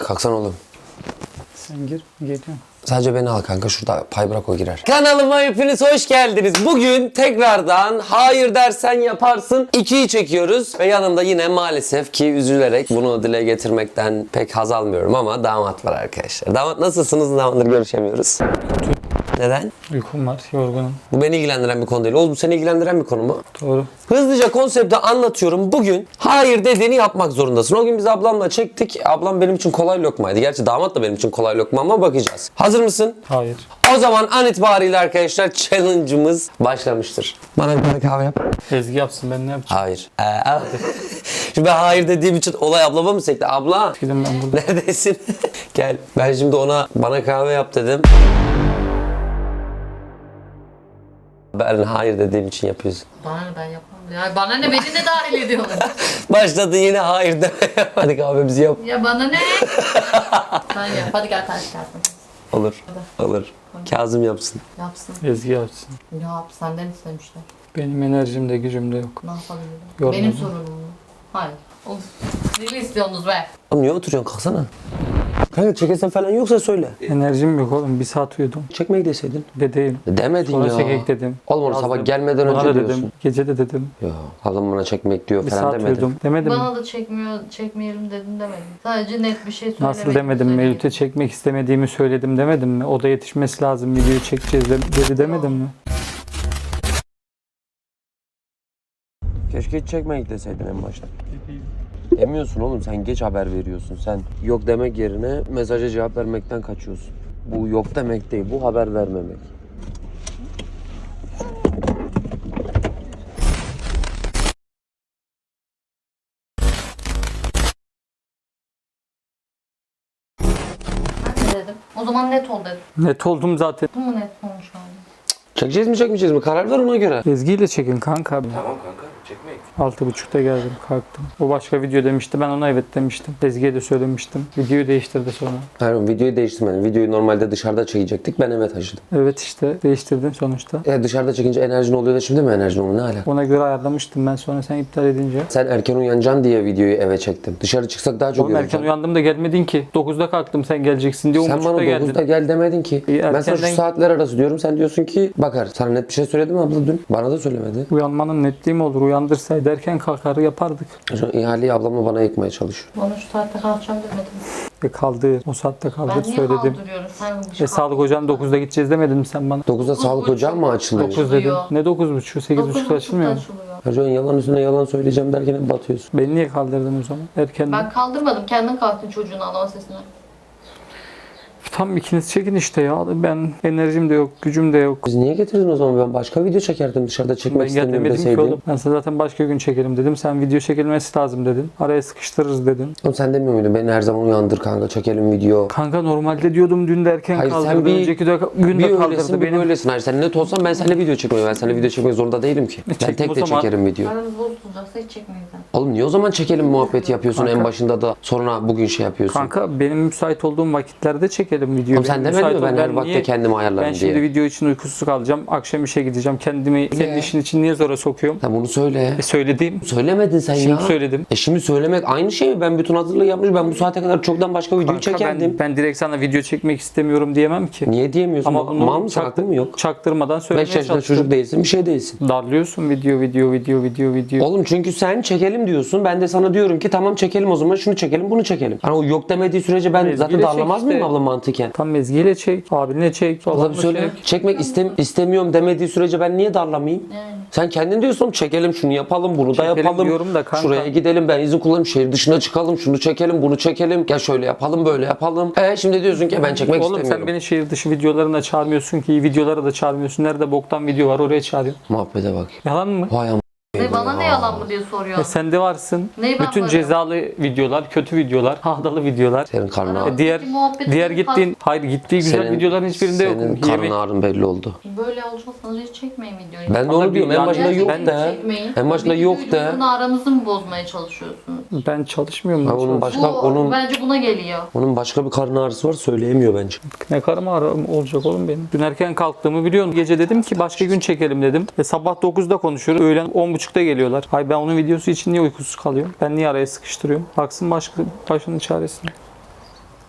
Kalksana oğlum. Sen gir, geliyorum. Sadece beni al kanka. Şurada pay bırak o girer. Kanalıma hepiniz hoş geldiniz. Bugün tekrardan hayır dersen yaparsın 2'yi çekiyoruz. Ve yanımda yine maalesef ki üzülerek bunu dile getirmekten pek haz almıyorum ama damat var arkadaşlar. Damat nasılsınız? Ne zamandır görüşemiyoruz. Neden? Uykum var, yorgunum. Bu beni ilgilendiren bir konu değil. Oğuz bu seni ilgilendiren bir konu mu? Doğru. Hızlıca konsepti anlatıyorum. Bugün hayır dediğini yapmak zorundasın. O gün biz ablamla çektik. Ablam benim için kolay lokmaydı. Gerçi damat da benim için kolay lokma ama bakacağız. Hazır mısın? Hayır. O zaman an itibariyle arkadaşlar challenge'ımız başlamıştır. Bana bir tane kahve yap. Ezgi yapsın, ben ne yapacağım? Hayır. Şimdi ben hayır dediğim için olay ablama mı sekti? Abla Gidin ben burada. neredesin? Gel. Ben şimdi bana kahve yap dedim. Ben hayır dediğim için yapıyorsun. Bana ne, ben yapmam. Ya bana ne, beni de dahil ediyorlar. Başladı yine hayır demeye. Hadi kahvemizi yap. Ya bana ne? Ben yap. Hadi gel karşılaşalım. Olur. Olur. Kazım yapsın. Yapsın. Ezgi yapsın. Ne yap? Senden istemişler. Benim enerjim de gücüm de yok. Ne yapabilirim? Yormadım. Benim sorunum mu? Hayır. Of. Deli istiyorsunuz be. Oğlum niye oturuyorsun? Kalksana. Kanka çekesen falan yoksa söyle. Enerjim yok oğlum, bir saat uyudum. Çekmek deseydin. De değil. Demedin Sonra ya. çekek dedim. Oğlum onu Yazdım. sabah gelmeden Bana önce da diyorsun. dedim. Gece de dedim. Ya adam bana çekmek diyor Bir falan saat demedin. uyudum. Demedim mi? Bana da çekmeyelim dedim demedim. Sadece net bir şey söylemedim. Nasıl demedim? Mevlüt'e çekmek istemediğimi söyledim demedim mi? O da yetişmesi lazım, videoyu çekeceğiz dedi demedim mi? Keşke hiç çekmek deseydin en başta. Demiyorsun oğlum, sen geç haber veriyorsun. Sen yok demek yerine mesaja cevap vermekten kaçıyorsun. Bu yok demek değil, bu haber vermemek. Ben de dedim. O zaman net ol dedim. Net oldum zaten. Bu mu net olmuş hali? Çekeceğiz mi çekmeyeceğiz mi? Karar ver ona göre. Ezgi ile çekin kanka. Tamam kanka, çekmek. 6.30'da geldim, kalktım. O başka video demişti, ben ona evet demiştim. Ezgi'ye de söylemiştim. Videoyu değiştirdi sonra. Hayır oğlum, videoyu değiştirmedim. Videoyu normalde dışarıda çekecektik. Ben eve taşıdım. Evet işte değiştirdim sonuçta. Dışarıda çekince enerjin oluyor da şimdi mi enerjin oluyor? Ne alaka? Ona göre ayarlamıştım ben, sonra sen iptal edince. Sen erken uyanacaksın diye videoyu eve çektim. Dışarı çıksak daha çok Oğlum erken yorulacaksın. uyandım da gelmedin ki. 9'da kalktım sen geleceksin diye Sen 10.30'da bana geldin. 9'da gel demedin ki. Ben sana şu erkenden- saatler arası diyorum. Sen diyorsun ki bakar. Sana net bir şey söyledim mi abla dün? Bana da söylemedi. Uyanmanın netliği mi olur? Uyandırsaydı erken kalkar yapardık. Şu ihaleyi ablamla bana yıkmaya çalışıyor. Bana şu saatte kalkacağım demedim. Kaldı. O saatte kaldı Ben niye söyledim. kaldırıyorum? Sen Sağlık ocağına 9'da gideceğiz demedin mi sen bana? 9'da sağlık ocağı mı açılıyor? 9 dedim. Açılıyor. Ne 9.30'u? 8.30'da açılmıyor mu? Her zaman yalan üstüne yalan söyleyeceğim derken hep batıyorsun. Beni niye kaldırdın o zaman? Erken. Ben kaldırmadım. Kendin kalktın çocuğun ağlama sesine. Tam ikiniz çekin işte ya. Ben enerjim de yok, gücüm de yok. Biz niye getirdin o zaman? Ben başka video çekerdim dışarıda çekmek Ben gel istemiyorum demedim ki deseydin. oğlum. Ben sana zaten başka gün çekelim dedim. Sen video çekilmesi lazım dedin. Araya sıkıştırırız dedin. Oğlum sen demiyor muydun? Beni her zaman uyandır kanka, çekelim video. Kanka normalde diyordum dün de erken Hayır, sen kaldırdı. bir- Önceki de gün Bir de öylesin kaldırdı bir benim. böylesin. Hayır sen net olsan ben seninle video çekmiyorum. Ben seninle video çekmek zorunda değilim ki. Ben çektim tek o de zaman. çekerim video. Aranız bozulacaksa hiç çekmeyin zaten. Oğlum niye o zaman çekelim muhabbeti yapıyorsun Kanka. en başında da sonra bugün şey yapıyorsun? Kanka benim müsait olduğum vakitlerde çekelim videoyu. Oğlum sen Benim demedin müsait mi ben ol- her vakte niye- kendimi ayarlarım Ben diye? şimdi video için uykusuz kalacağım. Akşam işe gideceğim. Kendimi senin işin için niye zora sokuyorum? Sen bunu söyle. Söyledim. Söylemedin sen Şimdi ya. söyledim. Şimdi söylemek aynı şey mi? Ben bütün hazırlığı yapmış. Ben bu saate kadar çoktan başka videoyu Kanka çekerdim. ben direkt sana video çekmek istemiyorum diyemem ki. Niye diyemiyorsun? Ama bunu Mal mısın? Aklın mı yok? Çaktırmadan söylemeye 5 yaşında çalıştım. çocuk değilsin, bir şey değilsin. Darlıyorsun video. Oğlum çünkü sen çekelim diyorsun. Ben de sana diyorum ki tamam çekelim o zaman şunu çekelim bunu çekelim. Hani o yok demediği sürece ben Ezgi'yle zaten darlamaz çek mıyım işte. abla mantıken? Tam mezgiyle çek, abinle çek, Abla bir babamla söyle. çek. Çekmek istemiyorum demediği sürece ben niye darlamayayım? Yani. Sen kendin diyorsun çekelim şunu yapalım bunu da Çekelim yapalım. diyorum da kanka. Şuraya gidelim ben izin kullanayım şehir dışına çıkalım şunu çekelim bunu çekelim. Gel şöyle yapalım böyle yapalım. Şimdi diyorsun ki ben çekmek Oğlum istemiyorum. sen beni şehir dışı videolarına çağırmıyorsun ki, iyi videolara da çağırmıyorsun. Nerede boktan video var oraya çağırıyorsun. Muhabbete bak. Yalan mı? Vay am. Ne bana ne yalan mı diye soruyor. Sen de varsın. Neyi ben Bütün varım? cezalı videolar, kötü videolar, hahdalı videolar. Senin karnın ağrı. Diğer Peki muhabbeti diğer kapat. gittiğin, hayır gittiği güzel videoların hiçbirinde yok. Senin karnın ağrın belli oldu. Böyle alacaksanız hiç çekmeyin videoyu. Ben de Ama onu diyorum en yani başında yok Gerçekten de. çekmeyin. En başında Bir yok de. videonun aranızı mı bozmaya çalışıyorsunuz? Ben çalışmıyorum. Ha, onun başka onun Bence buna geliyor. başka bir karın ağrısı var söyleyemiyor bence. Ne karım ağrım olacak oğlum benim. Dün erken kalktığımı biliyorsun. Gece dedim ki başka gün çekelim dedim. Sabah 9'da konuşuyoruz. Öğlen 10.30'da geliyorlar. Hay ben onun videosu için niye uykusuz kalıyorum? Ben niye araya sıkıştırıyorum? Baksın başının çaresine.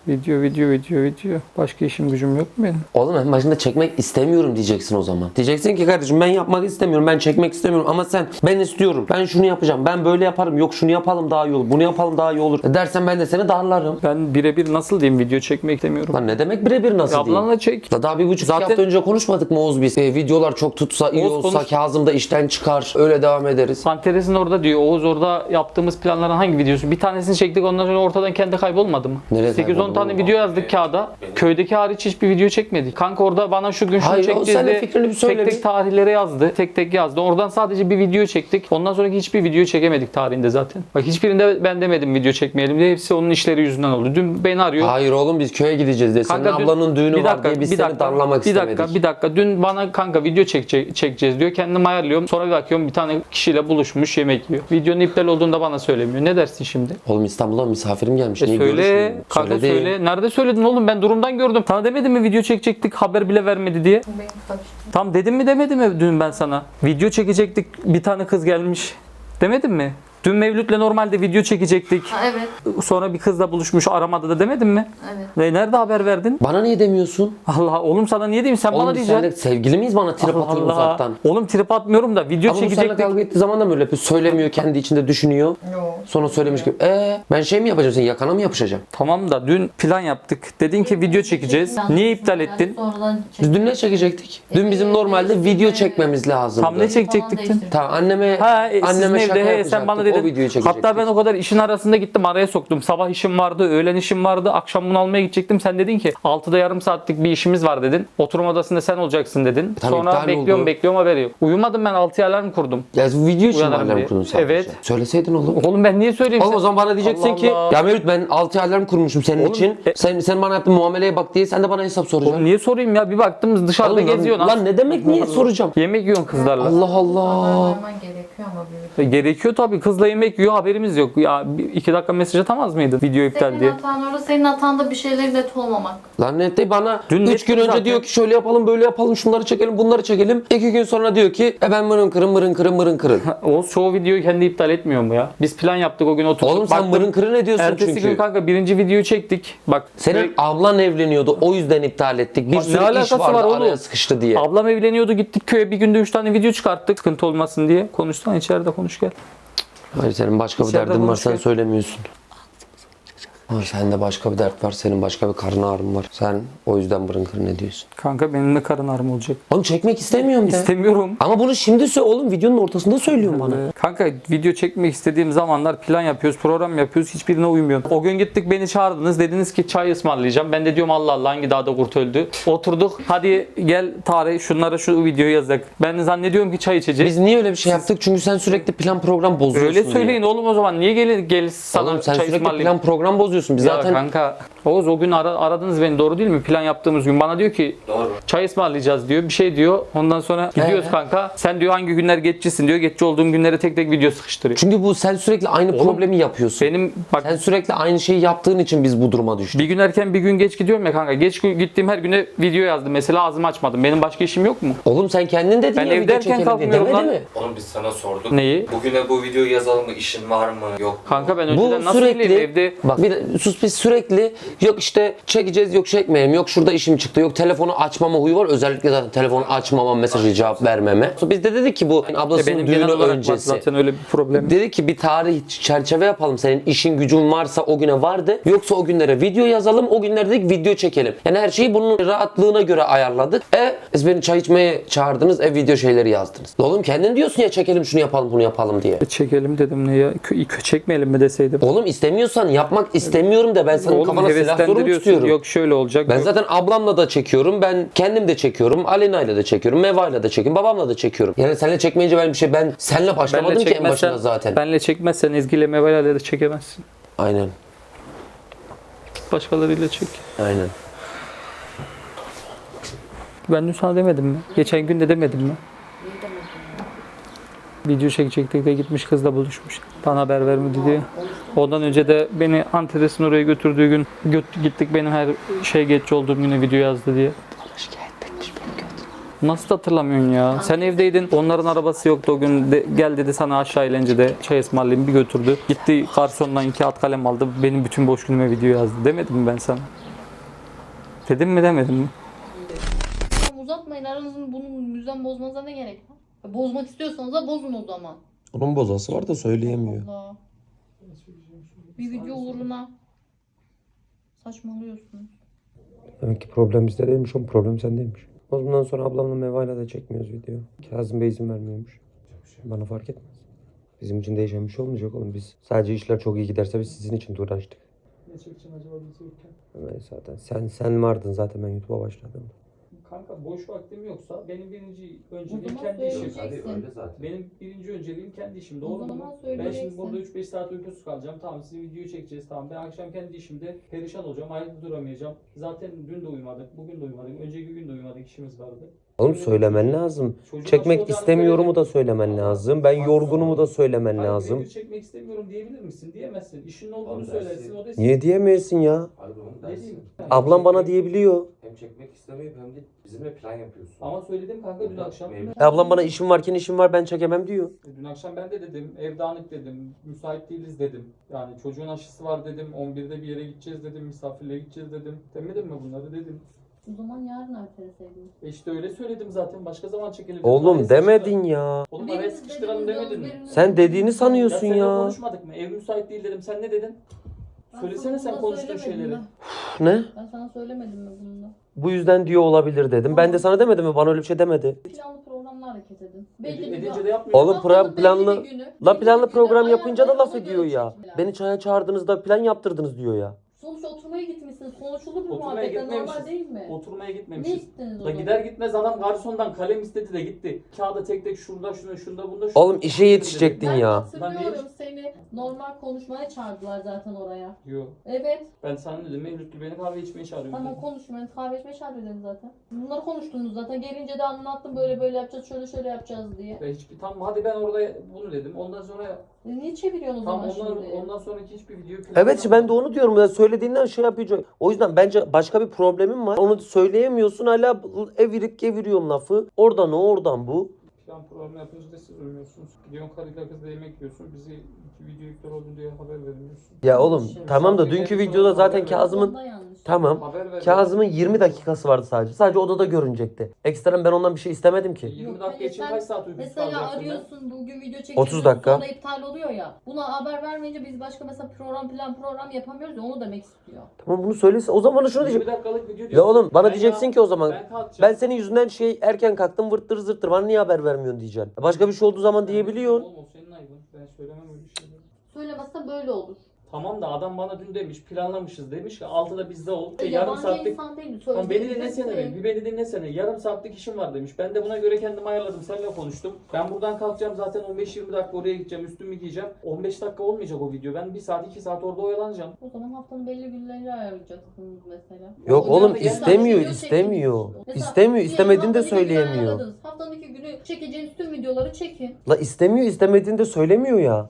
Video. Başka işim gücüm yok mu benim? Oğlum en başında çekmek istemiyorum diyeceksin o zaman. Diyeceksin ki kardeşim ben yapmak istemiyorum, ben çekmek istemiyorum ama sen ben istiyorum, ben şunu yapacağım, ben böyle yaparım, yok şunu yapalım daha iyi olur, bunu yapalım daha iyi olur dersen ben de seni darlarım. Ben birebir nasıl diyeyim, video çekmek istemiyorum. Lan ne demek birebir nasıl diyeyim? Ablanla çek. Daha bir buçuk Zaten- hafta önce konuşmadık mı Oğuz biz? Videolar çok tutsa, iyi Oğuz olsa, konuş. Kazım da işten çıkar, öyle devam ederiz. Antares'in orada diyor. Oğuz orada yaptığımız planların hangi videosu? Bir tanesini çektik, ondan sonra ortadan kendi kaybolmadı mı? Nereye 8-10 kayboldu tane oğlum? video yazdık kağıda. Köydeki hariç hiçbir video çekmedik. Kanka orada bana şu gün şunu Hayır, Oğuz, sen de çekeceğiz fikrini bir söyle tek bir. tek tarihlere yazdı. Tek tek yazdı. Oradan sadece bir video çektik. Ondan sonraki hiçbir video çekemedik tarihinde zaten. Bak hiçbirinde ben demedim video çekmeyelim diye. Hepsi onun işleri yüzünden oldu. Dün beni arıyor. Hayır oğlum biz köye gideceğiz diye. Senin Kanka dün- ablanın düğünü bir var dakika, diye biz bir seni dakika, darlamak istemedik. Bir dakika. Dün bana kanka video çekeceğiz diyor. Kendim ayarlıyorum. Sonra bir bakıyorum bir tane kişiyle buluşmuş yemek yiyor. Videonun iptal olduğunda bana söylemiyor. Ne dersin şimdi? Oğlum İstanbul'dan misafirim gelmiş. Niye Söyle. görüşmüyor? Kanka Söyledi. söyle. Nerede söyledin oğlum? Ben durumdan gördüm. Sana demedim mi video çekecektik, haber bile vermedi diye? Benim kaçtı. Tam dedim mi demedim mi dün ben sana? Video çekecektik, bir tane kız gelmiş. Demedim mi? Dün Mevlüt'le normalde video çekecektik. Ha, evet. Sonra bir kızla buluşmuş, aramadı da demedim mi? Evet. Ve nerede haber verdin? Bana niye demiyorsun? Allah oğlum sana niye diyeyim, sen bana Oğlum biz diyeceksin. seninle sevgili miyiz, bana trip atıyorsun uzaktan? Oğlum trip atmıyorum da video Ama bu seninle çekecektik. kavga ettiği zaman da böyle yapıyor. Söylemiyor, kendi içinde düşünüyor. Yok. Sonra söylemiş gibi. Ben şey mi yapacağım, sen yakana mı yapışacağım? Tamam da dün plan yaptık. Dedin ki video çekeceğiz. Niye iptal ettin? Sonradan Biz dün ne çekecektik? Dün bizim normalde video çekmemiz lazımdı. Tam ne çekecektik dün? Tamam anneme Sizin anneme şaka evde yapacaktık. sen bana O dedin. videoyu çekecektik. Hatta ben o kadar işin arasında gittim, araya soktum. Sabah işim vardı, öğlen işim vardı, akşam bunu almaya gidecektim. Sen dedin ki 6'da yarım saatlik bir işimiz var dedin. Oturma odasında sen olacaksın dedin. Tabii Sonra iptal bekliyorum oldu. haberi yok. Uyumadım, ben 6'ya alarm kurdum. Ya bu video için mi Uyanırım alarm diye. kurdun sadece? Evet. Söyleseydin oğlum. Oğlum ben niye söyleyeyim? Oğlum o zaman bana diyeceksin Allah ki Allah. ya Mevlüt ben 6 alarm kurmuşum senin Oğlum, için. Sen bana yaptığın muameleye bak diye sen de bana hesap soracaksın. Oğlum niye sorayım ya? Bir baktım dışarıda Oğlum lan- geziyorsun. Lan ne demek niye soracağım? Yemek yiyorsun kızlarla. Allah Allah. Alarman gerekiyor ama bir. Gerekiyor tabii. Kızla yemek yiyor, haberimiz yok. Ya 2 dakika mesaj atamaz mıydın? Video iptal Senin diye. hatan orada, senin hatan da bir şeyleri net olmamak. Lan net bana Dün 3 gün nettim önce zaten. diyor ki şöyle yapalım böyle yapalım şunları çekelim bunları çekelim. 2 gün sonra diyor ki ben mırın kırın. Oğuz çoğu videoyu kendi iptal etmiyor mu ya? Biz plan yaptık o gün oturduk. Oğlum sen Baktım, mırın kırın ediyorsun ertesi çünkü. gün kanka birinci videoyu çektik. Bak Senin ablan evleniyordu o yüzden iptal ettik. Bir Ne sürü iş alakası vardı var oğlum? araya sıkıştı diye. ablam evleniyordu, gittik köye, bir günde 3 tane video çıkarttık. Sıkıntı olmasın diye. Konuşsan içeride konuş gel. Hayır senin başka bir İçeride derdin var sen konuşuyor. söylemiyorsun. Ama sende başka bir dert var, senin başka bir karın ağrın var. Sen o yüzden mırın kırın ediyorsun. Kanka benim de karın ağrım olacak. Oğlum çekmek istemiyorum de. İstemiyorum. Ama bunu şimdi söyle oğlum videonun ortasında söylüyorsun bana. Kanka video çekmek istediğim zamanlar plan yapıyoruz, program yapıyoruz. Hiçbirine uymuyor. O gün gittik, beni çağırdınız. Dediniz ki çay ısmarlayacağım. Ben de diyorum Allah Allah hangi dağda kurt öldü. Oturduk. Hadi gel tarih şunlara şu videoyu yazak. Ben de zannediyorum ki çay içeceğiz. Biz niye öyle bir şey yaptık? Çünkü sen sürekli plan program bozuyorsun Öyle diye. söyleyin oğlum o zaman. Niye gel sana Oğlum sen çay sürekli ısmarlayayım? plan program bozuyorsun. Biz Ya zaten kanka Oğuz o gün aradınız beni, doğru değil mi? Plan yaptığımız gün bana diyor ki Doğru. çay ısmarlayacağız diyor. Bir şey diyor. Ondan sonra gidiyoruz kanka. Sen diyor hangi günler geçicisin diyor. Geçici olduğum günlere tek tek video sıkıştırıyor. çünkü bu sen sürekli aynı Oğlum, problemi yapıyorsun. Benim bak Sen sürekli aynı şeyi yaptığın için biz bu duruma düştük. bir gün erken bir gün geç gidiyorum ya kanka. Geç gittiğim her güne video yazdım. Mesela ağzımı açmadım. Benim başka işim yok mu? Oğlum sen kendin dedin Ben ya evde video erken çekelim diye. kalkmıyorum Demedi lan. mi? Oğlum biz sana sorduk. Neyi? Bugüne bu videoyu yazalım mı? İşin var mı? Yok mu? Kanka ben Bu önceden nasıl sürekli bileyim evde? bak bir de sus biz sürekli yok işte çekeceğiz yok çekmeyelim yok şurada işim çıktı yok telefonu açmama huyu var özellikle zaten telefonu açmama mesajı cevap vermeme. Biz de dedik ki bu ablasının Benim düğünü genel olarak var öncesi. zaten öyle bir problem. Dedi ki bir tarih çerçeve yapalım. Senin işin gücün varsa o güne vardı. Yoksa o günlere video yazalım. O günlerde dedik video çekelim. Yani her şeyi bunun rahatlığına göre ayarladık. Siz beni çay içmeye çağırdınız. Video şeyleri yazdınız. Oğlum kendin diyorsun ya çekelim şunu yapalım bunu yapalım diye. Çekelim dedim ne ya? Çekmeyelim mi deseydim? Oğlum istemiyorsan yapmak istemiyorum de ben senin Oğlum kafana silah zoru mu heveslendiriyorsun. tutuyorum? Yok şöyle olacak. Ben yok. zaten ablamla da çekiyorum. Ben kendim de çekiyorum. Alena'yla da çekiyorum. Meva'yla da çekiyorum. Babamla da çekiyorum. Yani seninle çekmeyince ben seninle başlamadım ki en başında zaten. Benle çekmezsen Ezgi ile Meva'yla da çekemezsin. Aynen. Başkalarıyla çek. Aynen. Ben dün sana demedim mi? Geçen gün de demedim mi? Video çekecektik de gitmiş kızla buluşmuş. Bana haber vermedi diye. Ondan önce de beni Antres'in oraya götürdüğü gün gittik benim her şey geç olduğum güne video yazdı diye. Nasıl hatırlamıyorsun ya? Sen evdeydin. Onların arabası yoktu o gün. Gel dedi sana aşağı eğlencede çay ısmarlayayım, bir götürdü. Gitti garsondan kağıt kalem aldı. Benim bütün boş günüme video yazdı. Demedim mi ben sana? Dedim mi demedim mi? Tamam, uzatmayın aranızın, bunun düzen bozmanıza ne gerek var? Bozmak istiyorsanız da bozun o zaman. Onun bozası var da söyleyemiyor. Allah. Bir video uğruna saçmalıyorsunuz. Demek ki problem bizde değilmiş, o problem sendeymiş. O bundan sonra ablamla Meva'yla da çekmiyoruz video. Kazım Bey izin vermiyormuş. Bana fark etmez. Bizim için değişen bir şey olmayacak oğlum. Biz sadece işler çok iyi giderse biz sizin için de uğraştık. Ne çekeceğim acaba bizi yokken? Evet, zaten sen vardın zaten, ben YouTube'a başladım. Kanka boş vaktim yoksa benim birinci O önceliğim zaman kendi işim. söyleyeceksin. Benim birinci önceliğim kendi işim. O Doğru zaman mu? Ben söyleyeceksin. şimdi burada 3-5 saat uykusuz kalacağım. Tamam, sizin videoyu çekeceğiz. Tamam, ben akşam kendi işimde perişan olacağım. Ayakta duramayacağım. Zaten dün de uyumadık. Bugün de uyumadık. Önceki gün de uyumadık. İşimiz vardı. Oğlum söylemen lazım. Çocuğun Çekmek nasıl olacağını istemiyorumu da söyledim. söylemen lazım. Ben yorgunumu da söylemen Hayır, lazım. video çekmek istemiyorum diyebilir misin? Diyemezsin. İşin olduğunu Abi söylersin. dersin. O da Niye diyemeyesin ya? Abi bunu Ne dersin. diyeyim? Ablam bana diyebiliyor. Hem çekmek istemiyor hem de bizimle plan yapıyorsun. Ama söyledim kanka dün akşam. Ablam bana işim varken işim var, ben çekemem diyor. Dün akşam ben de dedim, ev dağınık dedim, müsait değiliz dedim. Yani çocuğun aşısı var dedim, 11'de bir yere gideceğiz dedim, misafirliğe gideceğiz dedim. Demedim mi bunları dedim. O zaman yarın erteleseydiniz. İşte öyle söyledim zaten, başka zaman çekelim dedim. Oğlum Araya demedin ya. Oğlum araya Biriniz sıkıştıralım dediniz, demedin mi? biriniz Sen dediğini dediniz. sanıyorsun Seninle ya. konuşmadık mı? Ev müsait değil dedim, sen ne dedin? Ben Söylesene sana sen bunu konuştuğun söylemedim şeyleri. mi? Ne? Ben sana söylemedim mi bunu da? Bu yüzden diyor olabilir dedim. Ben de sana demedim mi? Bana öyle bir şey demedi. Planlı programla hareket edin. Belli bir Edince gün. de yapmıyor. Oğlum Haftanın planlı belli bir günü, la belli planlı bir günü program yapınca da laf ayarlayın, ediyor ona göre ya. çekin. Beni çaya çağırdığınızda plan yaptırdınız diyor ya. Sonuçta oturmaya gitmişsiniz. Konuşulur mu Oturmaya muhabbetten, normal gitmemişiz. değil mi? Oturmaya Ne gitmemişiz. gittiniz o Da zaman? gider gitmez adam garsondan kalem istedi de gitti. Kağıda tek tek şurada şuna şunda bunda. Oğlum işe yetişecektin Ben ya. hatırlıyorum, seni normal konuşmaya çağırdılar zaten oraya. Yok. Evet. Ben sana dedim Mevlütlü beni kahve içmeye çağırıyor. Tamam, konuşmayın. Kahve içmeye çağırıyor dedim zaten. Bunları konuştunuz zaten. Gelince de anlattım, böyle böyle yapacağız, şöyle şöyle yapacağız diye. Ve hiçbir tam hadi ben orada bunu dedim. Ondan sonra Niye çeviriyorsunuz o tam zaman ondan, şimdi? ondan sonraki hiçbir video Evet işte ben de onu diyorum. Ya söylediğinden şey yapacak. O yüzden bence başka bir problemim var. Onu söyleyemiyorsun, hala evirip geviriyorsun lafı. Oradan o, oradan bu. plan program yapınca da siz uymuyorsunuz. Gidiyorsun karıyla kızla yemek yiyorsun. Bizi iki video yükler oldu diye haber vermiyorsun. Ya oğlum tamam da dünkü videoda zaten Kazım'ın Onda yanlış. tamam. Haber ver. Kazım'ın 20 dakikası vardı sadece. Sadece odada görünecekti. Ekstradan ben ondan bir şey istemedim ki. 20 Yok, dakika hayır, için sen kaç saat uykusuz Mesela kalacaksın ben? arıyorsun, bugün video çekiyorsun, 30 dakika. sonra iptal oluyor ya. Buna haber vermeyince biz başka mesela program yapamıyoruz ya, onu demek istiyor. Tamam bunu söylese. O zaman bana şunu 20 diyecek. dakikalık video diyorsun. Ya oğlum bana Ben diyeceksin ya- ki o zaman Ben kalkacağım. ben senin yüzünden erken kalktım vırttır zırttır. Bana niye haber vermiyorsun diyeceksin. Başka bir şey olduğu zaman diyebiliyorsun. Oğlum o senin ayıbın. Ben söylemem öyle şeyleri. Söylemezse böyle olur. Tamam da adam bana dün demiş planlamışız demiş ki 6'da bizde ol. Yarım Yabancı saatlik. insan değil. Tamam beni dinlesene Söyleyeceksin. bir beni dinlesene. Yarım saatlik işim var demiş. Ben de buna göre kendimi ayarladım. Seninle konuştum. Ben buradan kalkacağım zaten 15-20 dakika oraya gideceğim. Üstümü giyeceğim. 15 dakika olmayacak o video. Ben 1 saat 2 saat orada oyalanacağım. O zaman haftanın belli günlerini ayarlayacaksınız mesela. Yok O oğlum gün mesela istemiyor video istemiyor. çekin. Mesela İstemiyor diyelim istemediğini de haftanın iki günü söyleyemiyor. ayarladınız. Haftanın 2 günü çekeceğiniz tüm videoları çekin. La istemiyor istemediğini de söylemiyor ya.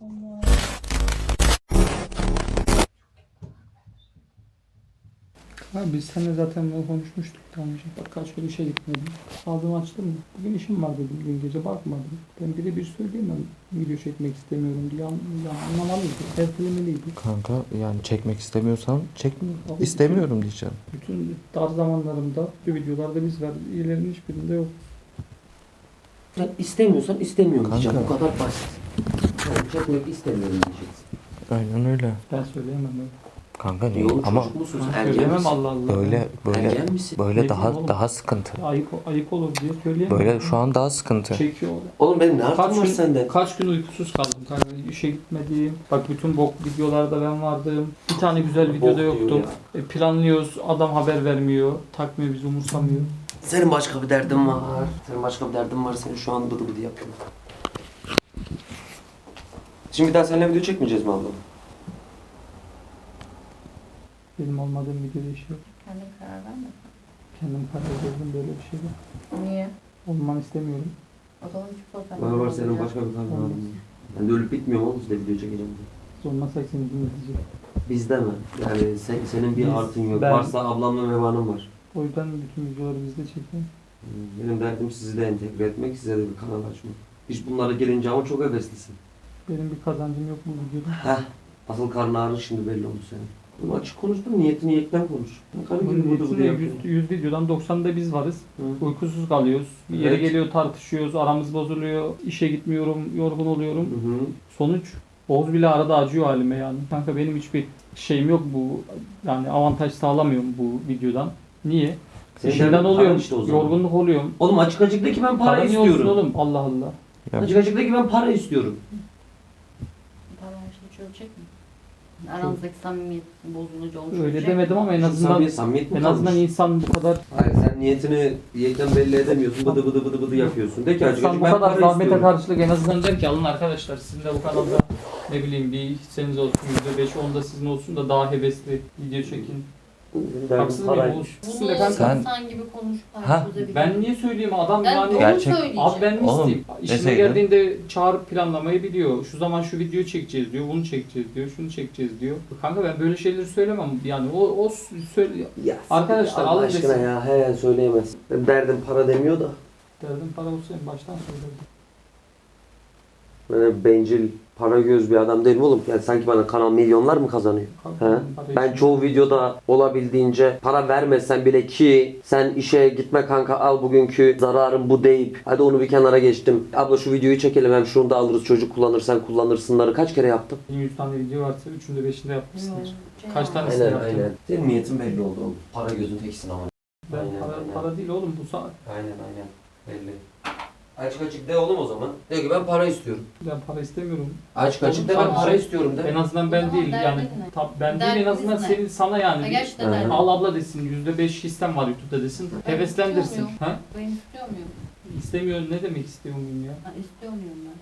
Abi biz seninle zaten bunu konuşmuştuk daha önce. Bak kaç gün işe gitmedim. Aldığımı açtım mı? Bugün işim var dedim. Dün gece bakmadım. Ben birebir söyleyemem. Video çekmek istemiyorum diye anlamalıydı. Ertelemeliydi. Kanka yani çekmek istemiyorsan çekme. Abi İstemiyorum diyeceğim. Bütün dar zamanlarımda bu videolarda biz var. İyilerin hiçbirinde yok. Sen istemiyorsan istemiyorum Kanka. diyeceğim. Bu kadar basit. Ben çekmek istemiyorum diyeceksin. Aynen öyle. Ben söyleyemem öyle. Kanka niye? Yolun Ama çocuk musun? Ben Ergen söyleyemem misin? Allah Allah. böyle Ergen misin? böyle Ne daha diyeyim oğlum? daha sıkıntı. Ayık olur diye söyleyemem. Böyle şu an daha sıkıntı. Çekiyor. Oğlum benim ne yaptım var gün, senden? kaç gün uykusuz kaldım kanka. İşe gitmedim. Bak bütün bok videolarda ben vardım. Bir tane güzel videoda diyor yoktum. Planlıyoruz. Adam haber vermiyor. Takmıyor bizi, umursamıyor. Senin başka bir derdin var. Senin başka bir derdin var. Seni şu an bıdı bıdı yapıyorum. Şimdi bir daha seninle video çekmeyeceğiz mi abla? Benim olmadığım videoda iş yok. Kendin karar verme. Kendim karar verdim böyle bir şeyde. Niye? Olmanı istemiyorum. O zaman hiç problem Var yok. senin başka bir derdin var. Ben de ölüp bitmiyorum oğlum size video çekeceğim diye. Biz olmasak seni dinleteceğim. Bizde mi? Yani senin bir Biz- artın yok. ben- Varsa ablamla Meva'nın var. O yüzden bütün videoları bizde çekiyorum. Benim derdim sizi de entegre etmek, size de bir kanal açmak. İş bunlara gelince ama çok heveslisin. Benim bir kazancım yok mu bu videoda? Heh. Asıl karnı ağrı şimdi belli oldu senin. Bunu açık konuştum, niyetini yekten konuş. Karı gibi bıdı bıdı yapıyor. 100 videodan 90'da biz varız. Hı. Uykusuz kalıyoruz. Bir yere Evet. geliyor tartışıyoruz. Aramız bozuluyor. İşe gitmiyorum. Yorgun oluyorum. Hı hı. Sonuç Oğuz bile arada acıyor halime yani. Kanka benim hiçbir şeyim yok bu. Yani avantaj sağlamıyorum bu videodan. Niye? Senin İşimden derdin oluyorum. para işte o zaman. Yorgunluk oluyorum. Oğlum açık açıktaki ben para Para niye olsun istiyorum. oğlum? Allah Allah. Açık açıktaki ben para istiyorum. Para her şeyi çözecek mi? Aranızdaki samimiyet bozulucu olmuş. Öyle demedim ama en azından Samimiyet mi en azından kalmış? insan bu kadar Hayır sen niyetini yekten belli edemiyorsun. Bıdı bıdı bıdı bıdı yapıyorsun. De ki açık insan açık bu ben kadar para zahmete istiyorum. karşılık en azından der ki alın arkadaşlar sizin de bu kanalda ne bileyim bir hisseniz olsun %5 onda sizin olsun da daha hevesli video çekin. Haksız mıyım Paraymış. Oğuz? Bunu Sizin de kanka. Sen- insan gibi konuşup Ha, çözebilir. Ben niye söyleyeyim adam Ben yani doğru Gerçek- söyleyeceğim. abi ben mi Oğlum, isteyeyim? İşine deseydin. geldiğinde çağırıp planlamayı biliyor. Şu zaman şu videoyu çekeceğiz diyor, bunu çekeceğiz diyor, şunu çekeceğiz diyor. Kanka ben böyle şeyleri söylemem yani o söyle Ya, Arkadaşlar, Allah alın aşkına desin. ya he söyleyemez. Derdim para demiyor da. derdim para olsa en baştan söylerdim. Böyle bencil, para göz bir adam değilim oğlum. Yani sanki bana kanal milyonlar mı kazanıyor? Kanka, He? para Ben için- çoğu videoda olabildiğince para vermesen bile ki sen işe gitme kanka al bugünkü zararım bu deyip hadi onu bir kenara geçtim. Abla şu videoyu çekelim hem şunu da alırız çocuk kullanırsan kullanırsınları kaç kere yaptım? 100 tane video varsa 3'ünde 5'inde yapmışsındır. Yok, Kaç şey tane- var. Nasıl Aynen yaptın? aynen. Senin niyetin belli oldu oğlum. Para gözün teksin ama. Ben Aynen, para, aynen. para değil oğlum bu saat. Aynen aynen. Belli. Açık açık de oğlum o zaman. De ki ben para istiyorum. Ben para istemiyorum. Açık açık de Oğlum, ben sana- para istiyorum de. En azından ben O zaman değil yani derdin ne? ben değil en azından Derdiniz ne? senin sana yani. Ha, bir- gerçekten Hı. derdim. Al abla desin %5 hissem var YouTube'da desin. Ben Heveslendirsin. istiyor muyum? Ha? Ben istiyor muyum? İstemiyor ne demek istiyor muyum ya? Ha, istiyor muyum ben?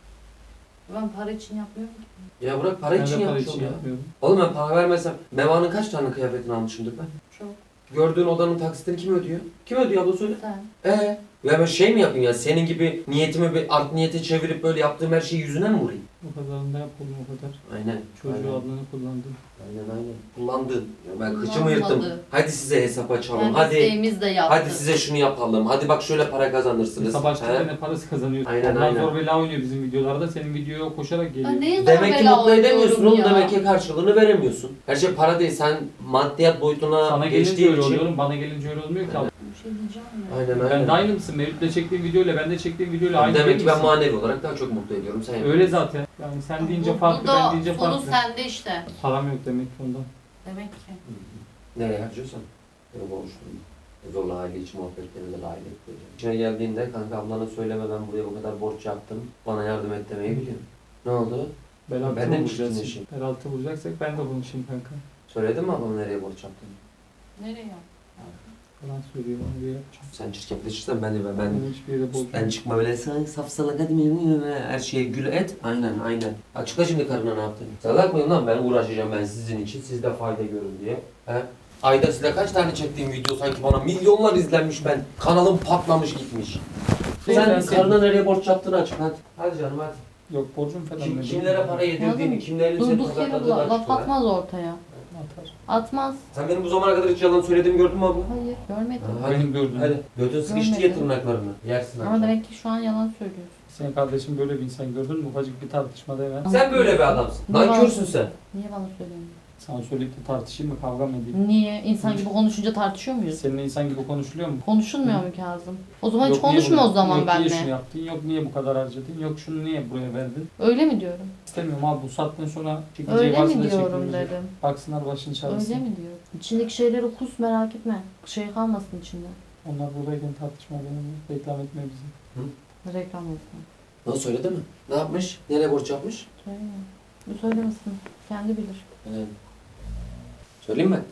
Ben para için yapmıyorum ki. Ya bırak para Ben için de para yapmış için ol ya. yapmıyorum. Oğlum ben para vermesem Meva'nın kaç tane kıyafetini almışımdır ben? Çok. Gördüğün odanın taksitini kim ödüyor? Kim ödüyor abla söyle. Sen. Ya ben şey mi yapayım ya senin gibi niyetimi bir art niyete çevirip böyle yaptığım her şeyi yüzüne mi vurayım? O kadarını da yapalım o kadar. Aynen. Çocuğu aynen. adını kullandım. Aynen. Kullandın. Ya ben kıçımı Kullanmadı. yırttım. Hadi size hesap açalım. Yani Hadi. isteğimiz de yaptı. Hadi size şunu yapalım. Hadi bak şöyle para kazanırsınız. Sabah açtıkta He? ne parası kazanıyor. Aynen, Ondan aynen. zor bela oynuyor bizim videolarda. Senin videoya koşarak geliyor. Ya neye zor Demek ki bela mutlu edemiyorsun oynuyorum oğlum. ya? Demek ki karşılığını veremiyorsun. Her şey para değil. Sen maddiyat boyutuna Sana gelince geçtiğin öyle için. oluyor oğlum. Bana gelince öyle olmuyor ki. Aynen. Bir şey diyeceğim ya. Aynen Ben aynen. de aynı mısın? Mevlüt'le çektiğim videoyla ben de çektiğim videoyla aynı Demek değil ki ben misin? manevi olarak daha çok mutlu ediyorum. Sen Öyle yapıyorsun. zaten. Yani sen deyince Bu farklı, da ben deyince sonu farklı. sende işte. Param yok demek ki ondan. Demek ki. Nereye harcıyorsan. Yok oluşturma. Zorla aile içi muhabbetlerini de dahil et. İçine geldiğinde kanka ablana söyleme ben buraya bu kadar borç yaptım. Bana yardım et demeyi biliyorum. Ne oldu? Bel altı Ben de mi vuracağız? çirkinleşeyim? Bel altı vuracaksak ben de konuşayım kanka. Söyledin mi ablana nereye borç yaptığını? Nereye? Falan söylüyor onu bir yapacağım. Sen çirkefleşirsen ben Ben hiçbir yere ben bozmuyorum. çıkma böyle sen safsalak hadi her şeye gül et. Aynen. Açıkla şimdi karına ne yaptın? Salak mıyım lan ben uğraşacağım ben sizin için siz de fayda görün diye. He? Ayda size kaç tane çektiğim video sanki bana milyonlar izlenmiş ben. Kanalım patlamış gitmiş. Sen karına nereye borç yaptığını açık hadi. Hadi canım hadi. Yok borcum falan. Kim, ne kimlere değil. para yedirdiğini, Anladın mı? kimlerin seni Durduk yere pazarladığını laf açıkla. atmaz ortaya. Atar. Atmaz. Sen benim bu zamana kadar hiç yalan söylediğimi gördün mü abla? Hayır görmedim. Hadi. Benim gördüğüm. Hadi. Götün sıkıştı Görmedim. ya tırnaklarını. Yersin Ama akşam. demek ki şu an yalan söylüyorsun. Senin kardeşin böyle bir insan gördün mü? Ufacık bir tartışmada hemen. Sen böyle bir adamsın. Nankörsün sen. Niye bana söylemiyorsun? Sana söyleyip de tartışayım mı? Kavga mı edeyim? Niye? İnsan gibi konuşunca tartışıyor muyuz? Seninle insan gibi konuşuluyor mu? Konuşulmuyor mu Kazım? O zaman hiç Yok, niye konuşma bunu- o zaman yok, niye şunu benimle. yaptın? Yok niye bu kadar harcadın? Yok şunu niye buraya verdin? Öyle mi diyorum? İstemiyorum abi bu saatten sonra çekeceği Öyle varsa mi da diyorum çekmeyecek. dedim. Baksınlar başını çağırsın. Öyle mi diyorum? İçindeki şeyleri kus merak etme. Şey kalmasın içinde. Onlar buradayken tartışma benim. Reklam etme bizi. Reklam olsun. Ne söyledi mi? Ne yapmış? Nereye borç yapmış? Söyleme. Bu söylemesin. Kendi bilir. Söyleyeyim mi?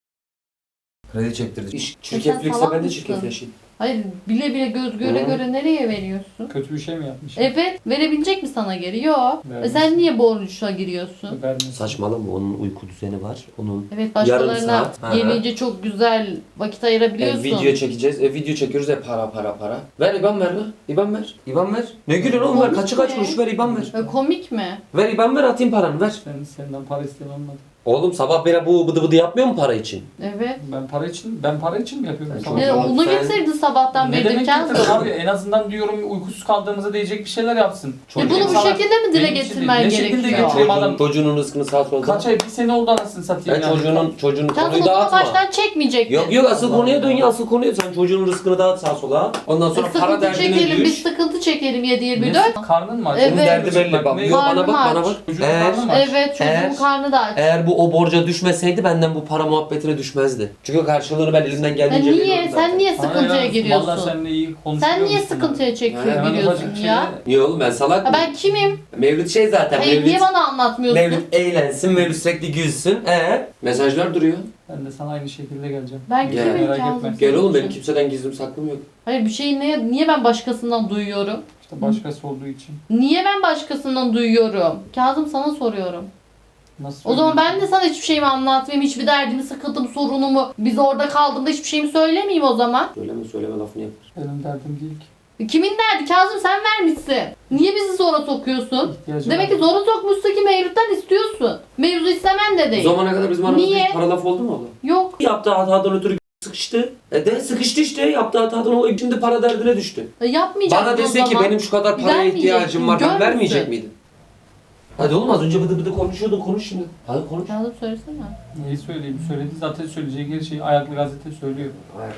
Kredi çektirdi. İş sen çirkeflikse salak ben de mısın? çirkefleşeyim. Hayır bile bile göz göre Hı. göre nereye veriyorsun? Kötü bir şey mi yapmış? Evet. Verebilecek mi sana geri? Yok. Vermesin. Sen niye borçla giriyorsun? Vermesin. Saçmalama onun uyku düzeni var. Onun Evet Yarım başkalarına saat. Hı hı. gelince çok güzel vakit ayırabiliyorsun. video çekeceğiz. Video çekiyoruz para. Ver IBAN ver lan. IBAN ver. IBAN ver. Ne gülüyorsun oğlum ver. Kaç Komik kuruş ver IBAN ver. Komik mi? Ver IBAN ver atayım paranı ver. Senden para isteyen olmadı. Oğlum sabah beri bu bıdı bıdı yapmıyor mu para için? Evet. Ben para için mi yapıyorum? Ben sana? Ne onu Sen- getirdin sabahtan Ne beri demek Kazım? getirdin abi? En azından diyorum uykusuz kaldığımızda diyecek bir şeyler yapsın. Bunu bu Sana- şekilde mi dile Benim için getirmen değil. Ne şekilde gerekiyor? getireyim adam? Çocuğunun rızkını sağ solda. Kaç ay? Bir sene oldu anasını satayım Ben yani. çocuğunun Kazım konuyu o zaman dağıtma. baştan çekmeyecektin. Yok asıl konuya dön ya asıl konuya. Sen çocuğun rızkını dağıt sağa sola. Ondan sonra para Sıkıntı derdine çekelim, düş. biz sıkıntı çekelim 7-24. Ne? Karnın mı aç? Evet. Onun derdi belli. Bak, Ne- yok, bana bak bana Karnım bak. Çocuğun Eğer, karnı mı aç? Evet çocuğun Eğer- karnı da aç. eğer bu o borca düşmeseydi benden bu para muhabbetine düşmezdi. Çünkü karşılığını ben elimden Ya geldiğince niye? veriyorum zaten. Sen niye Sana sıkıntıya ya, giriyorsun? Vallahi seninle iyi konuşuyor Sen niye musun sıkıntıya abi? çekiyor Hemen giriyorsun ufacık ya? Niye oğlum ben salak Ya mıyım? ben kimim? Mevlüt şey zaten. Hayır niye Mevlüt, bana anlatmıyorsun? Mevlüt eğlensin, Mevlüt sürekli gülsün. Mesajlar duruyor. Ben de sana aynı şekilde geleceğim. Ben Gel. kimim Merak Kazım? etme. senin Gel oğlum benim için? kimseden gizlim saklım yok. Hayır bir şeyi niye ben başkasından duyuyorum? İşte başkası olduğu için. Niye ben başkasından duyuyorum? Kazım sana soruyorum. Nasıl O zaman ben de söyleyeyim? sana hiçbir şeyimi anlatmayayım. Hiçbir derdimi, sıkıntımı, sorunumu. Biz orada kaldığımda hiçbir şeyimi söylemeyeyim o zaman. Söyleme lafını yap. Benim derdim değil ki. Kimin derdi? Kazım sen vermişsin. Niye bizi zora sokuyorsun? İhtiyacım Demek var. ki zora sokmuşsun ki Mevlüt'ten istiyorsun. Mevzu istemen de O değil. zamana kadar bizim aramızda Niye? hiç para laf oldu mu oğlum? Yok. Yaptığı hatadan ötürü sıkıştı. Sıkıştı işte. Yaptığı hatadan dolayı şimdi para derdine düştü. Yapmayacaksın Bana o dese ki zaman. benim şu kadar paraya Vermeyeceksin, ihtiyacım var. Ben görmüşsün. vermeyecek miydim? Hadi oğlum az önce bıdı bıdı konuşuyordun. Konuş şimdi. Hadi konuş. Kazım söylesene. Neyi söyleyeyim? Söyledi zaten söyleyeceği her şeyi ayaklı gazete söylüyor.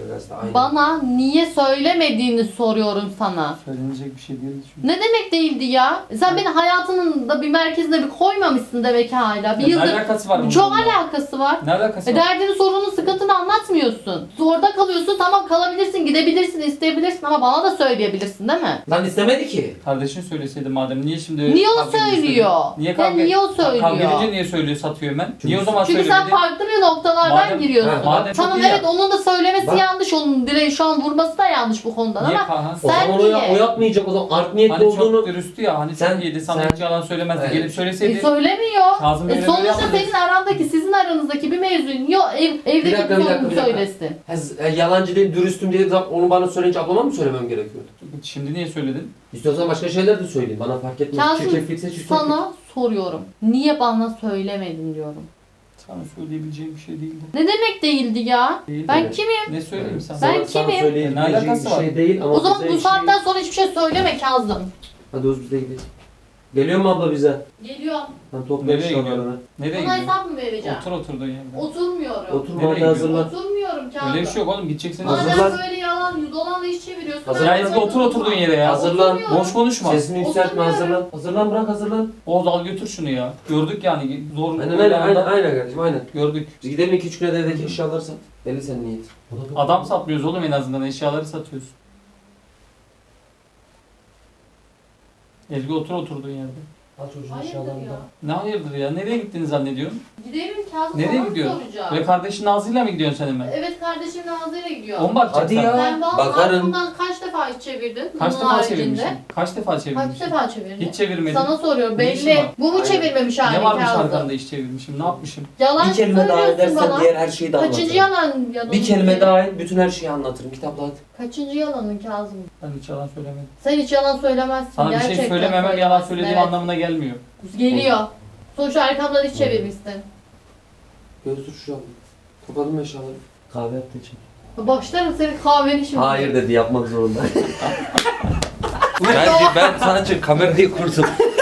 Bana niye söylemediğini soruyorum sana. Söylenecek bir şey değil çünkü. Ne demek değildi ya? Sen beni hayatının da bir merkezine bir koymamışsın demek ki hala. Bir Ne yıldır alakası var bunun çok bununla? alakası var. Ne alakası var? Derdini, sorununu, sıkıntını anlatmıyorsun. Orada kalıyorsun, tamam kalabilirsin, gidebilirsin, isteyebilirsin ama bana da söyleyebilirsin değil mi? Lan istemedi ki. Kardeşin söyleseydi madem niye şimdi Niye o kavga ediyorsun? söylüyor? Niye Ya kavga niye o söylüyor? Kavga edince niye söylüyor satıyor hemen? Niye o zaman Çünkü söylemedi? sen farklı bir noktalardan Madem- giriyorsun. Ha, madem çok Tamam iyi evet ya. onun da söylemesi Bak. yanlış, onun direği şu an vurması da yanlış bu konudan Niye ama Kaan? O Sen zaman niye? o yapmayacak o zaman art niyetli Hani olduğunu. çok dürüsttü ya hani Sen- çok iyiydi sana sen- hiç yalan söylemezdi. Evet. Gelip söyleseydi. söylemiyor. Kazım öyle böyle Sonuçta yapmadı. senin arandaki, sizin aranızdaki bir mevzuyu yok evdeki Bir dakika, bir dakika, sorunu bir dakika. söylesin. Yalancı değil, dürüstüm diye onu bana söyleyince ablama mı söylemem gerekiyordu? Şimdi niye söyledin? İstiyorsan başka şeyler de söyleyeyim. Bana fark etmez. Kazım, Çirkeflikse çirkeflik. Sana soruyorum. Niye bana söylemedin diyorum. Sana söyleyebileceğim bir şey değildi. Ne demek değildi ya? Değil Ben evet. kimim? Ne söyleyeyim sana? Ben Sana kimim? Ne söyleyebileceğim alakası bir var? şey değil ama O zaman bize bu hiç saatten değil. sonra hiçbir şey söyleme Kazım. Hadi Oğuz biz de gidelim. Geliyor mu abla bize? Geliyorum. Ben topla Nereye eşyalarını. Nereye Buna gidiyorsun? hesap mı vereceğim? Otur oturduğun yerde. Oturmuyorum. Oturma Nereye hadi hazırlan. Oturmuyorum Kazım. Öyle bir şey yok oğlum gideceksin. Hazırlan. Madem böyle yalan, dolanla iş çeviriyorsun. Hazırlan. ben Ya Ezgi böyle otur oturduğun yere ya. Hazırlan. Oturmuyorum. Boş konuşma. Sesini yükseltme Oturmuyorum. hazırlan. Hazırlan bırak hazırlan. Oğuz al götür şunu ya. Gördük yani zor. Aynen kardeşim aynen. Gördük. Biz gidelim 2-3 güne de evdeki eşyaları sat. Belli senin niyet. Adam satmıyoruz oğlum en azından eşyaları satıyoruz. Ezgi otur oturduğun yerde. Al çocuğun Hayırdır eşyalarını ya? da. Ne hayırdır ya? Nereye gittiğini zannediyorsun? Gidelim Kazım Nereye sana gidiyorsun? soracağım. Ve kardeşin Nazlı'yla mı gidiyorsun sen hemen? Evet kardeşim Nazlı'yla gidiyor. O mu bakacak Hadi sen? ya. Sen vallahi Bakarım. bundan kaç defa iş çevirdin? Kaç Bunun defa haricinde. çevirmişsin? Kaç defa Kaç çevirmişsin? defa çevirdin? Hiç çevirmedim. Sana soruyorum Ne işin belli. var? Bu mu Aynen. çevirmemiş halin Ne varmış Kazım? arkanda iş çevirmişim? Ne yapmışım? Yalan Bir kelime daha söylüyorsun edersen bana. diğer her şeyi de anlatırım. Kaçıncı yalan Bir kelime daha et bütün her şeyi anlatırım. Kitapla hadi. Kaçıncı yalanın Kazım? Ben hiç yalan söylemedim. Sen hiç yalan söylemezsin. Sana bir Gerçekten şey söylememem yalan söylemezsin, söylediğim evet. anlamına gelmiyor. Geliyor. Sonuçta arkamdan iş çevirmişsin. Götür şu an. Kapadın mı eşyaları? Kahve yaptı için. Başlarım senin kahveni şimdi. Hayır dedi yapmak zorunda. ben sadece kamerayı kurdum.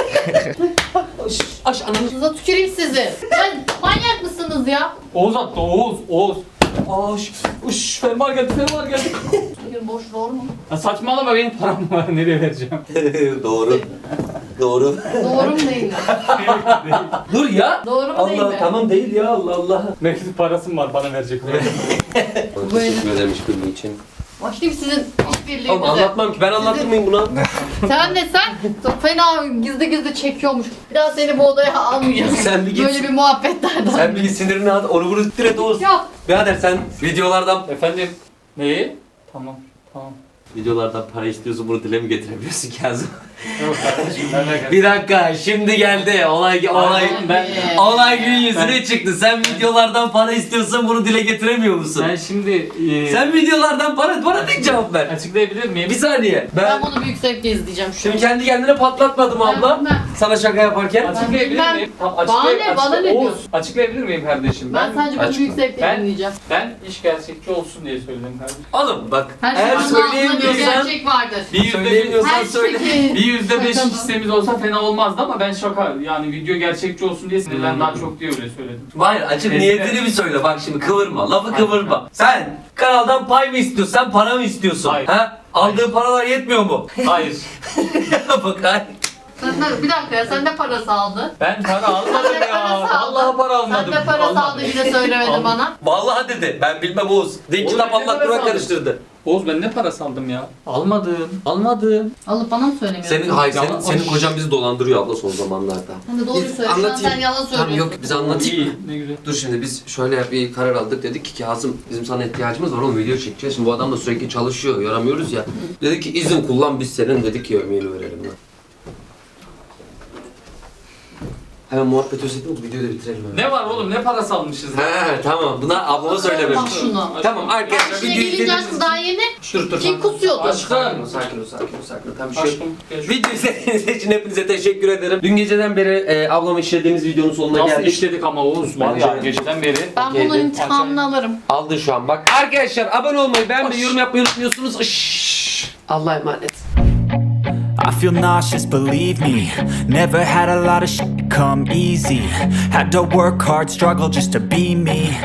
Aş ananı. Size tüküreyim sizi. Ben manyak mısınız ya? Oğuz attı Oğuz. Oğuz. Uş fermuar geldi fermuar geldi. Tükür boş doğru mu? Ya saçmalama benim param var nereye vereceğim? Doğru. Doğru. Doğru mu değil mi? Dur ya. Doğru mu değil mi? Allah tamam değil ya Allah Allah. Mevcut parasım var bana verecek. Teşekkür ederim işbirliği için. Başlayayım sizin Oğlum işbirliğinize. anlatmam ki ben anlatır mıyım buna? Sen çok fena gizli gizli çekiyormuş. Bir daha seni bu odaya almayacağım. Sen bir git. Böyle bir muhabbetlerden. Sen bir git sinirini at onu bunu dire Oğuz. Yok. Birader sen videolardan Efendim? Neyi? Tamam. Videolardan para istiyorsun, bunu dile mi getiremiyorsun Kazım? Yok kardeşim ben de Bir dakika, şimdi geldi. Olay gün yüzüne çıktı. Sen videolardan para istiyorsan bunu dile getiremiyor musun? Ben şimdi Sen videolardan bana tek cevap ver. açıklayabilir miyim? Bir saniye. Ben bunu büyük zevkle izleyeceğim şu Şimdi kendi kendine patlatmadım abla. Ben- Sana şaka yaparken. Açıklayabilir bilmem. miyim? Tamam, Bana ne Oğuz, diyorsun? açıklayabilir miyim kardeşim? Ben sadece bunu büyük zevkle Ben- dinleyeceğim. Ben iş gerçekçi olsun diye söyledim kardeşim. Oğlum bak, Her eğer şeyin altında bir söyleyemiyorsan, gerçek vardır. söyleyemiyorsan Her söyle. şeyin. Bir %5 Şaka mı? hissemiz olsa fena olmazdı ama ben şaka yani video gerçekçi olsun diye sinirden daha çok diye öyle söyledim. Hayır, açık Eskiden- niyetini bir söyle. Bak şimdi kıvırma, lafı kıvırma. Sen kanaldan pay mı istiyorsun, sen para mı istiyorsun? Hayır. Ha? Aldığın paralar yetmiyor mu? Hayır. Bak hayır. Bir dakika ya sen de parası aldın. Ben para almadım Sen de ya. parası aldın. Vallahi para almadım. Sen de parası Almadım. aldın yine söylemedin Almadım. bana. Vallahi dedi. Ben bilmem Oğuz. Din Oğlum, kitap ben ne Allah parası Kur'an aldım? karıştırdı. Oğuz ben ne parası aldım ya? Almadım. Alıp bana mı söylemiyorsun? senin kocan bizi dolandırıyor abla son zamanlarda. Sen de doğruyu Biz söyle. Şu an anlatayım. sen yalan söylüyorsun. Tamam yok bize anlatayım. İyi, ne güzel. Dur şimdi biz şöyle bir karar aldık, dedik ki Kazım bizim sana ihtiyacımız var oğlum, video çekeceğiz. Şimdi bu adam da sürekli çalışıyor, yaramıyoruz ya. Dedik ki izin kullan, biz senin dedik ki yemeğini verelim lan. Hemen muhabbet özetledim, bu videoyu da bitirelim hemen. Ne var oğlum ne parası almışız ya? He tamam, buna ablama söylememiş. Bak şunu. Tamam arkadaşlar İşine videoyu gelince izlediğiniz aşkım daha yeni Dur kim kusuyordu? Aşkım. Sakin ol. Tamam bir şey yok. Aşkım. gel şu- Video izlediğiniz için hepinize teşekkür ederim. Dün geceden beri ablamı işlediğimiz videonun sonuna Nasıl geldik. işledik ama Oğuz var ya Bence- geceden beri. Ben Okey, bunun de. intikamını alırım. Aldın şu an bak. Arkadaşlar abone olmayı, beğenmeyi, yorum yapmayı unutmuyorsunuz. Şşş. Allah'a emanet. I feel nauseous, believe me. Never had a lot of shit come easy. Had to work hard, struggle just to be me.